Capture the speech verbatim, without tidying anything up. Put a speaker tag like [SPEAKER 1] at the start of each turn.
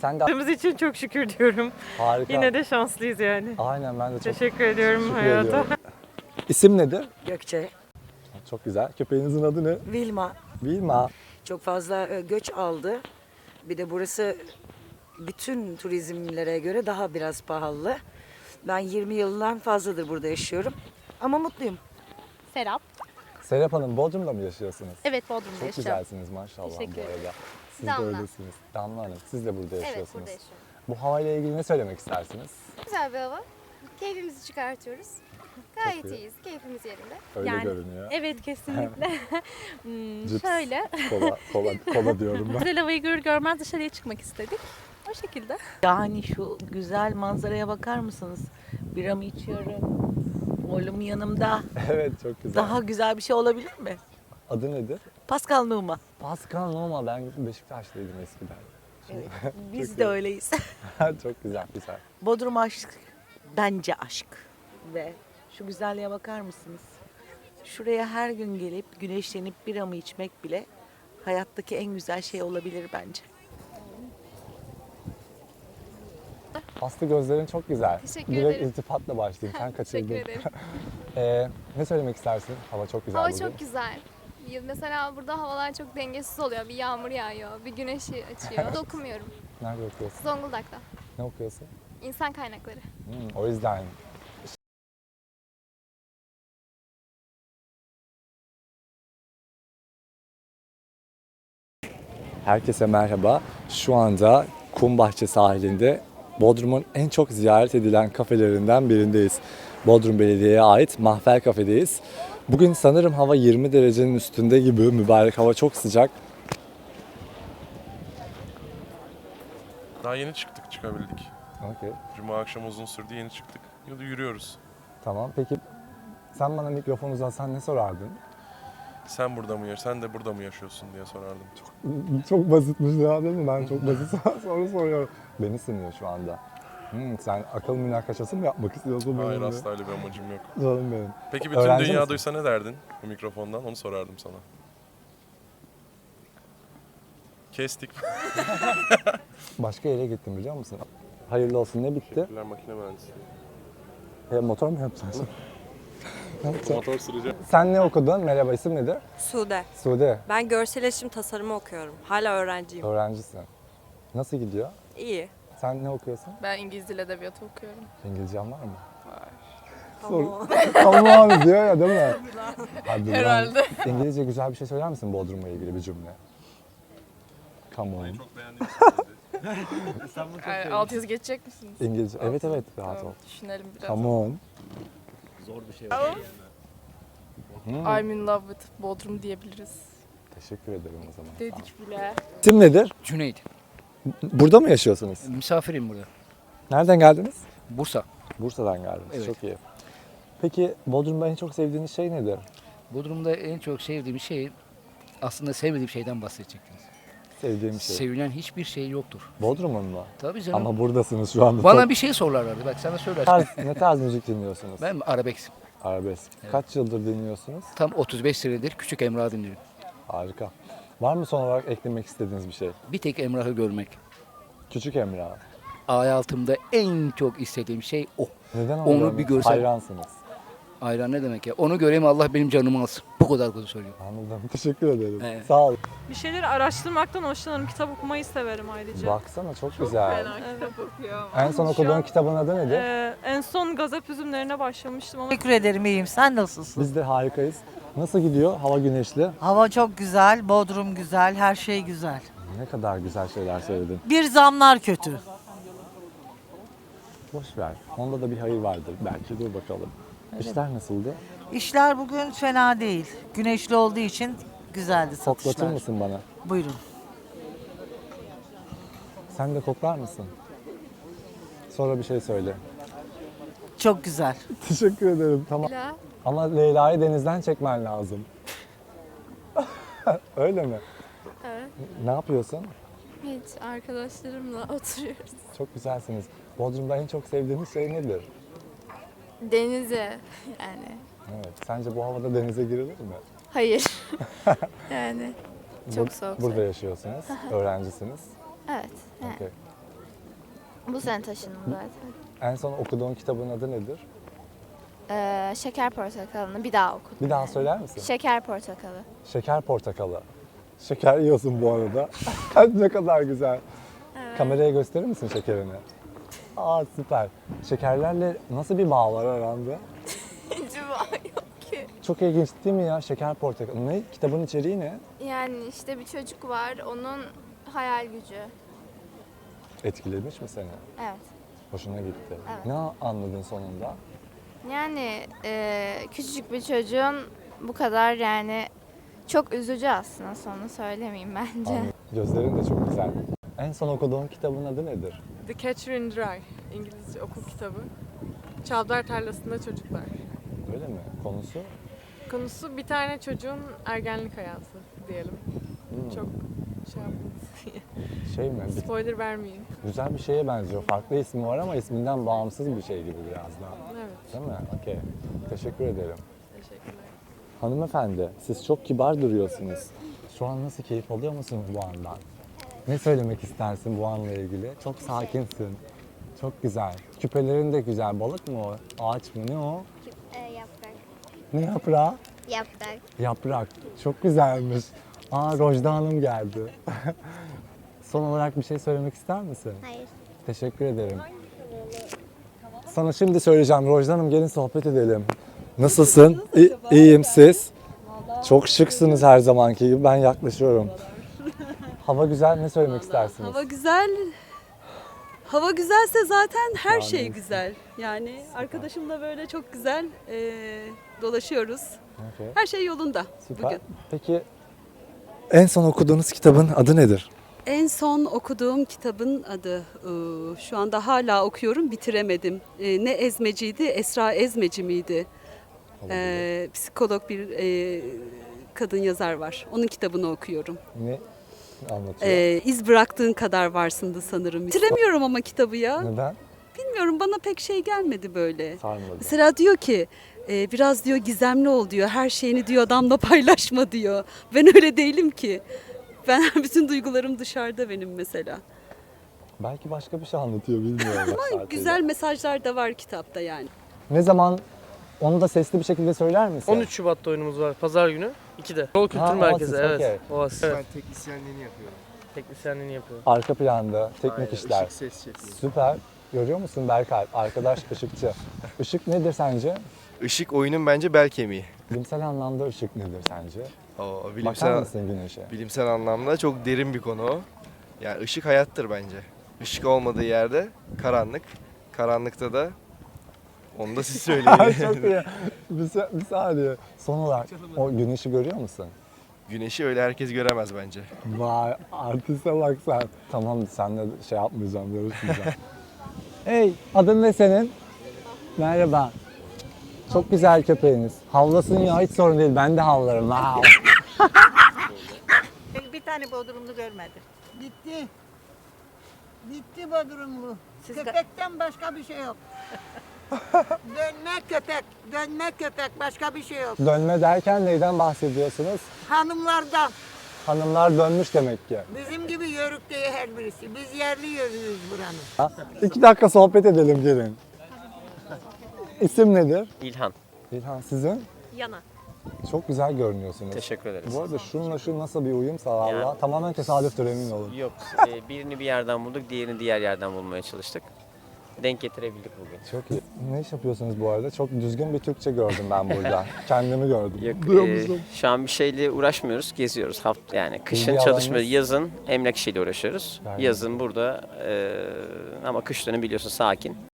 [SPEAKER 1] Sen de...
[SPEAKER 2] Yaptığımız için çok şükür diyorum.
[SPEAKER 1] Harika.
[SPEAKER 2] Yine de şanslıyız yani.
[SPEAKER 1] Aynen, ben de çok
[SPEAKER 2] Teşekkür ediyorum
[SPEAKER 1] teşekkür
[SPEAKER 2] hayata.
[SPEAKER 1] ediyorum. İsim nedir?
[SPEAKER 3] Gökçe,
[SPEAKER 1] Çok güzel. Köpeğinizin adı ne?
[SPEAKER 3] Vilma
[SPEAKER 1] Vilma.
[SPEAKER 3] çok fazla e, göç aldı. Bir de burası bütün turizmlere göre daha biraz pahalı. Ben yirmi yıldan fazladır burada yaşıyorum. Ama mutluyum.
[SPEAKER 4] Serap.
[SPEAKER 1] Serap Hanım, Bodrum'da mı yaşıyorsunuz?
[SPEAKER 4] Evet, Bodrum'da
[SPEAKER 1] Çok
[SPEAKER 4] yaşıyorum.
[SPEAKER 1] güzelsiniz maşallah
[SPEAKER 4] Teşekkür
[SPEAKER 1] bu
[SPEAKER 4] ederim.
[SPEAKER 1] arada. Siz
[SPEAKER 4] Damla.
[SPEAKER 1] de öylesiniz. Damla Hanım, siz de burada
[SPEAKER 4] Evet,
[SPEAKER 1] yaşıyorsunuz.
[SPEAKER 4] burada yaşıyorum.
[SPEAKER 1] Bu havayla ilgili ne söylemek istersiniz?
[SPEAKER 4] Güzel bir hava. Keyfimizi çıkartıyoruz. Gayet
[SPEAKER 1] iyi.
[SPEAKER 4] iyiyiz. Keyfimiz yerinde.
[SPEAKER 1] Öyle
[SPEAKER 5] Yani-
[SPEAKER 1] görünüyor.
[SPEAKER 5] Evet kesinlikle. Hmm,
[SPEAKER 1] Cips,
[SPEAKER 5] şöyle.
[SPEAKER 1] Kola, kola, kola diyorum ben.
[SPEAKER 5] Güzel havayı görür görmez dışarıya çıkmak istedik. O şekilde.
[SPEAKER 6] Yani şu güzel manzaraya bakar mısınız? Biramı içiyorum. Oğlum yanımda.
[SPEAKER 1] Evet, çok güzel.
[SPEAKER 6] Daha güzel bir şey olabilir mi?
[SPEAKER 1] Adı nedir?
[SPEAKER 6] Pascal Numa.
[SPEAKER 1] Pascal Numa. Ben Beşiktaşlıydım eskiden.
[SPEAKER 6] Evet, biz
[SPEAKER 1] Çok
[SPEAKER 6] de
[SPEAKER 1] iyi.
[SPEAKER 6] öyleyiz.
[SPEAKER 1] Çok güzel, güzel.
[SPEAKER 6] Bodrum aşk. Bence aşk. Ve şu güzelliğe bakar mısınız? Şuraya her gün gelip güneşlenip biramı içmek bile hayattaki en güzel şey olabilir bence.
[SPEAKER 1] Aslı, gözlerin çok güzel.
[SPEAKER 4] Teşekkür
[SPEAKER 1] Direkt
[SPEAKER 4] ederim.
[SPEAKER 1] iltifatla başlayayım. Sen kaçırdın.
[SPEAKER 4] Teşekkür ederim.
[SPEAKER 1] Ee, ne söylemek istersin? Hava çok güzel
[SPEAKER 4] Hava
[SPEAKER 1] bugün.
[SPEAKER 4] çok güzel. Ya Mesela burada havalar çok dengesiz oluyor. Bir yağmur yağıyor, bir güneşi açıyor. Dokumuyorum.
[SPEAKER 1] Nerede okuyorsun?
[SPEAKER 4] Zonguldak'ta.
[SPEAKER 1] Ne okuyorsun?
[SPEAKER 4] İnsan kaynakları.
[SPEAKER 1] Hmm, o yüzden. Herkese merhaba. Şu anda Kumbahçe sahilinde Bodrum'un en çok ziyaret edilen kafelerinden birindeyiz. Bodrum Belediye'ye ait Mahfer Kafe'deyiz. Bugün sanırım hava yirmi derecenin üstünde gibi, mübarek hava çok sıcak.
[SPEAKER 7] Daha yeni çıktık, çıkabildik.
[SPEAKER 1] Okey.
[SPEAKER 7] Cuma akşamı uzun sürdü, yeni çıktık. Yolda yürüyoruz.
[SPEAKER 1] Tamam. Peki sen bana mikrofon uzatsan ne sorardın?
[SPEAKER 7] Sen burada mı, sen de burada mı yaşıyorsun diye sorardım.
[SPEAKER 1] Çok basitmiş ya, değil mi? Ben çok basit soru soruyorum. Beni sınıyor şu anda. Hmm, sen akıl münakaşası mı yapmak istiyorsun?
[SPEAKER 7] Hayır,
[SPEAKER 1] benimle?
[SPEAKER 7] asla öyle bir amacım yok.
[SPEAKER 1] Canım benim.
[SPEAKER 7] Peki bütün
[SPEAKER 1] Öğrenci
[SPEAKER 7] dünya
[SPEAKER 1] misin?
[SPEAKER 7] duysa ne derdin bu mikrofondan? Onu sorardım sana. Kestik.
[SPEAKER 1] Başka yere gittim, biliyor musun? Hayırlı olsun, ne bitti?
[SPEAKER 7] Teşekkürler, makine mühendisliği.
[SPEAKER 1] E, motor mu yapacaksın? Ne yapacaksın?
[SPEAKER 7] Motor süreceğim.
[SPEAKER 1] Sen ne okudun? Merhaba, isim nedir?
[SPEAKER 8] Sude.
[SPEAKER 1] Sude.
[SPEAKER 8] Ben görsel iletişim tasarımı okuyorum. Hala öğrenciyim.
[SPEAKER 1] Öğrencisin. Nasıl gidiyor?
[SPEAKER 8] İyi.
[SPEAKER 1] Sen ne okuyorsun?
[SPEAKER 9] Ben İngiliz Dil Edebiyatı okuyorum.
[SPEAKER 1] İngilizcen var mı?
[SPEAKER 9] Var.
[SPEAKER 1] Sor. Tamam diyor ya, değil mi? Hadi lan.
[SPEAKER 9] Herhalde.
[SPEAKER 1] İngilizce güzel bir şey söyler misin Bodrum'la ilgili bir cümle? Come on.
[SPEAKER 9] Yani, alt yazı geçecek misiniz?
[SPEAKER 1] İngilizce. Evet evet, rahat ol.
[SPEAKER 9] Tamam, düşünelim biraz.
[SPEAKER 1] Come on.
[SPEAKER 9] I'm in love with Bodrum diyebiliriz.
[SPEAKER 1] Teşekkür ederim o zaman.
[SPEAKER 9] Dedik bile.
[SPEAKER 1] İsim nedir?
[SPEAKER 10] Cüneyt.
[SPEAKER 1] Burada mı yaşıyorsunuz?
[SPEAKER 10] Misafirim burada.
[SPEAKER 1] Nereden geldiniz?
[SPEAKER 10] Bursa.
[SPEAKER 1] Bursa'dan geldiniz.
[SPEAKER 10] Evet.
[SPEAKER 1] Çok iyi. Peki Bodrum'da en çok sevdiğiniz şey nedir?
[SPEAKER 10] Bodrum'da en çok sevdiğim şey aslında sevmediğim şeyden bahsedecektiniz.
[SPEAKER 1] Sevdiğim şey.
[SPEAKER 10] Sevilen hiçbir şey yoktur.
[SPEAKER 1] Bodrum'un mu?
[SPEAKER 10] Tabii canım.
[SPEAKER 1] Ama buradasınız şu anda.
[SPEAKER 10] Bana
[SPEAKER 1] Çok-
[SPEAKER 10] bir şey sorarlardı. Bak sana
[SPEAKER 1] Ne
[SPEAKER 10] söyler.
[SPEAKER 1] tarz, ne tarz müzik dinliyorsunuz?
[SPEAKER 10] Ben arabesk.
[SPEAKER 1] Arabesk. Kaç yıldır dinliyorsunuz?
[SPEAKER 10] Tam otuz beş senedir Küçük Emrah'ı dinliyorum.
[SPEAKER 1] Harika. Var mı son olarak eklemek istediğiniz bir şey?
[SPEAKER 10] Bir tek Emrah'ı görmek.
[SPEAKER 1] Küçük Emrah.
[SPEAKER 10] Hayatımda en çok istediğim şey o.
[SPEAKER 1] Neden onu,
[SPEAKER 10] Onu
[SPEAKER 1] görmek-
[SPEAKER 10] bir görsen-
[SPEAKER 1] Hayransınız.
[SPEAKER 10] Ayran ne demek ya? Onu göreyim Allah benim canımı alsın. Bu kadar kötü söylüyorum.
[SPEAKER 1] Anladım. Teşekkür ederim.
[SPEAKER 10] Evet.
[SPEAKER 1] Sağ ol.
[SPEAKER 2] Bir şeyleri araştırmaktan hoşlanırım. Kitap okumayı severim ayrıca.
[SPEAKER 1] Baksana çok, güzel.
[SPEAKER 2] Evet.
[SPEAKER 1] En son
[SPEAKER 2] Şu
[SPEAKER 1] okuduğun
[SPEAKER 2] an-
[SPEAKER 1] kitabın adı nedir?
[SPEAKER 2] Ee, en son Gazap Üzümlerine başlamıştım ama
[SPEAKER 3] Teşekkür ederim, iyiyim. Sen nasılsın?
[SPEAKER 1] Biz de harikayız. Nasıl gidiyor? Hava güneşli.
[SPEAKER 3] Hava çok güzel, Bodrum güzel, her şey güzel.
[SPEAKER 1] Ne kadar güzel şeyler söyledin.
[SPEAKER 3] Bir zamlar kötü.
[SPEAKER 1] Boş ver. Onda da bir hayır vardır belki. Dur bakalım. İşler nasıldı?
[SPEAKER 3] İşler bugün fena değil. Güneşli olduğu için güzeldi
[SPEAKER 1] Koklatır
[SPEAKER 3] satışlar.
[SPEAKER 1] mısın bana?
[SPEAKER 3] Buyurun.
[SPEAKER 1] Sen de koklar mısın? Sonra bir şey söyle.
[SPEAKER 3] Çok güzel.
[SPEAKER 1] Teşekkür ederim. Tamam.
[SPEAKER 4] Leyla.
[SPEAKER 1] Ama Leyla'yı denizden çekmen lazım. Öyle mi?
[SPEAKER 4] Evet.
[SPEAKER 1] Ne yapıyorsun?
[SPEAKER 4] Hiç arkadaşlarımla oturuyoruz.
[SPEAKER 1] Çok güzelsiniz. Bodrum'da en çok sevdiğiniz şey nedir?
[SPEAKER 4] Denize yani.
[SPEAKER 1] Evet. Sence bu havada denize girilir mi?
[SPEAKER 4] Hayır. yani çok
[SPEAKER 1] Bur-
[SPEAKER 4] soğuk.
[SPEAKER 1] Burada yaşıyorsunuz. Öğrencisiniz.
[SPEAKER 4] Evet. Yani.
[SPEAKER 1] Okey.
[SPEAKER 4] Bu sene taşındım zaten.
[SPEAKER 1] En son okuduğun kitabın adı nedir?
[SPEAKER 4] Ee, Şeker Portakalı'nı bir daha okudum.
[SPEAKER 1] Bir daha
[SPEAKER 4] yani.
[SPEAKER 1] söyler misin?
[SPEAKER 4] Şeker Portakalı.
[SPEAKER 1] Şeker portakalı. Şeker yiyorsun bu arada. Ne kadar güzel. Kameraya gösterir misin şekerini? Aa süper. Şekerlerle nasıl bir bağ var aranda?
[SPEAKER 4] Hiç yok ki.
[SPEAKER 1] Çok ilginç değil mi ya? Şeker portakalı. Ne? Kitabın içeriği ne?
[SPEAKER 4] Yani işte bir çocuk var, onun hayal gücü.
[SPEAKER 1] Etkilemiş mi seni?
[SPEAKER 4] Evet.
[SPEAKER 1] Hoşuna gitti.
[SPEAKER 4] Evet.
[SPEAKER 1] Ne anladın sonunda?
[SPEAKER 4] Yani e, küçücük bir çocuğun bu kadar yani çok üzücü aslında, sonu söylemeyeyim bence.
[SPEAKER 1] Anladım. Gözlerin de çok güzel. En son okuduğun kitabın adı nedir?
[SPEAKER 2] The Catcher in the Rye. İngilizce okul kitabı. Çavdar tarlasında çocuklar.
[SPEAKER 1] Öyle mi? Konusu?
[SPEAKER 2] Konusu bir tane çocuğun ergenlik hayatı diyelim.
[SPEAKER 1] Hmm.
[SPEAKER 2] Çok şey yapmayın.
[SPEAKER 1] Şey mi? Bir-
[SPEAKER 2] Spoiler vermeyeyim.
[SPEAKER 1] güzel bir şeye benziyor. Farklı ismi var ama isminden bağımsız bir şey gibi biraz daha.
[SPEAKER 2] Evet.
[SPEAKER 1] Değil mi? Okey. Teşekkür ederim.
[SPEAKER 2] Teşekkürler.
[SPEAKER 1] Hanımefendi, siz çok kibar duruyorsunuz. Şu an nasıl keyif alıyor musunuz bu andan? Ne söylemek istersin bu anla ilgili? Çok sakinsin. Çok güzel. Küpelerin de güzel. Balık mı o? Ağaç mı? Ne o?
[SPEAKER 4] yaprak.
[SPEAKER 1] Ne yaprağı?
[SPEAKER 4] Yaprak.
[SPEAKER 1] Yaprak. Çok güzelmiş. Aa Rojda Hanım geldi. Son olarak bir şey söylemek ister misin?
[SPEAKER 4] Hayır.
[SPEAKER 1] Teşekkür ederim. Sana şimdi söyleyeceğim. Rojda Hanım gelin sohbet edelim. Nasılsın? İ- iyiyim siz? Çok şıksınız her zamanki gibi. Ben yaklaşıyorum. Hava güzel. Ne söylemek istersiniz?
[SPEAKER 11] Hava güzel. Hava güzelse zaten her
[SPEAKER 1] Yani-
[SPEAKER 11] şey güzel. Yani arkadaşımla böyle çok güzel eee, dolaşıyoruz.
[SPEAKER 1] Okey,
[SPEAKER 11] Her şey yolunda
[SPEAKER 1] süper.
[SPEAKER 11] bugün.
[SPEAKER 1] Peki en son okuduğunuz kitabın adı nedir?
[SPEAKER 11] En son okuduğum kitabın adı, eee, şu anda hala okuyorum, bitiremedim. Eee, ne Ezmeci'ydi, Esra Ezmeci miydi? Eee, psikolog bir eee, kadın yazar var. Onun kitabını okuyorum.
[SPEAKER 1] Ne anlatıyor?
[SPEAKER 11] Eee İz bıraktığın kadar varsındı sanırım. Bitiremiyorum ama kitabı ya.
[SPEAKER 1] Neden?
[SPEAKER 11] Bilmiyorum, bana pek şey gelmedi böyle.
[SPEAKER 1] Sarmadı.
[SPEAKER 11] Mesela diyor ki e, biraz diyor gizemli ol diyor. Her şeyini diyor adamla paylaşma diyor. Ben öyle değilim ki. Ben bütün duygularım dışarıda benim mesela.
[SPEAKER 1] Belki başka bir şey anlatıyor bilmiyorum. bak
[SPEAKER 11] Ama
[SPEAKER 1] saatiyle.
[SPEAKER 11] güzel mesajlar da var kitapta yani.
[SPEAKER 1] Ne zaman onu da sesli bir şekilde söyler misin?
[SPEAKER 12] on üç Şubat'ta oyunumuz var. Pazar günü ikide. Yol Kültür
[SPEAKER 1] Ha,
[SPEAKER 12] Merkezi.
[SPEAKER 1] Oasis,
[SPEAKER 12] Evet.
[SPEAKER 1] okey.
[SPEAKER 12] Oasis.
[SPEAKER 13] Ben
[SPEAKER 12] Evet.
[SPEAKER 13] teknisyenliğini yapıyorum.
[SPEAKER 12] Teknisyenliğini yapıyor.
[SPEAKER 1] Arka planda teknik
[SPEAKER 13] Aynen,
[SPEAKER 1] işler.
[SPEAKER 13] ışık ses şefiyim.
[SPEAKER 1] Süper. Görüyor musun Berkay? Arkadaş ışıkçı. Işık nedir sence?
[SPEAKER 13] Işık oyunun bence bel kemiği.
[SPEAKER 1] Bilimsel anlamda ışık nedir sence?
[SPEAKER 13] O
[SPEAKER 1] Bakar
[SPEAKER 13] bilimsel
[SPEAKER 1] mısın güneşe?
[SPEAKER 13] bilimsel anlamda çok derin bir konu o. Yani ışık hayattır bence. Işık olmadığı yerde karanlık. Karanlıkta da onu da siz söyleyin.
[SPEAKER 1] Çok iyi. Bir, sa- bir saniye. Son olarak o güneşi görüyor musun?
[SPEAKER 13] Güneşi öyle herkes göremez bence.
[SPEAKER 1] Vay artiste bak sen. Tamam senle şey yapmayacağım, görüşmeyeceğim. Hey adın ne senin? Merhaba. Çok güzel köpeğiniz. Havlasın ya hiç sorun değil. Ben de havlarım. Wow.
[SPEAKER 6] Bir tane Bodrumlu görmedim.
[SPEAKER 3] Bitti. Bitti Bodrumlu.
[SPEAKER 6] Siz
[SPEAKER 3] Köpekten başka bir şey yok. Dönme köpek, dönme köpek, başka bir şey yok.
[SPEAKER 1] Dönme derken neyden bahsediyorsunuz?
[SPEAKER 3] Hanımlardan,
[SPEAKER 1] Hanımlar dönmüş demek ki.
[SPEAKER 3] bizim gibi yörük değil her birisi. Biz yerli yörüyüz buranın.
[SPEAKER 1] Ha? İki dakika sohbet edelim gelin. İsim nedir?
[SPEAKER 12] İlhan.
[SPEAKER 1] İlhan sizin?
[SPEAKER 8] Yana.
[SPEAKER 1] Çok güzel görünüyorsunuz.
[SPEAKER 12] Teşekkür ederiz.
[SPEAKER 1] Bu arada şununla şu nasıl bir uyumsa valla
[SPEAKER 12] Yani-
[SPEAKER 1] tamamen tesadüftür emin olun.
[SPEAKER 12] Yok. e, birini bir yerden bulduk, diğerini diğer yerden bulmaya çalıştık. Denk getirebildik bugün.
[SPEAKER 1] Çok iyi. Ne iş yapıyorsunuz bu arada? Çok düzgün bir Türkçe gördüm ben burada. Kendimi gördüm.
[SPEAKER 12] Yok,
[SPEAKER 1] Duyuyor
[SPEAKER 12] e,
[SPEAKER 1] musun?
[SPEAKER 12] şu an bir şeyle uğraşmıyoruz, geziyoruz. Haft yani kışın
[SPEAKER 1] İlgi
[SPEAKER 12] çalışma,
[SPEAKER 1] alanınız?
[SPEAKER 12] yazın emlak işiyle uğraşıyoruz.
[SPEAKER 1] Gayet
[SPEAKER 12] Yazın burada e, ama kış dönemi biliyorsun sakin.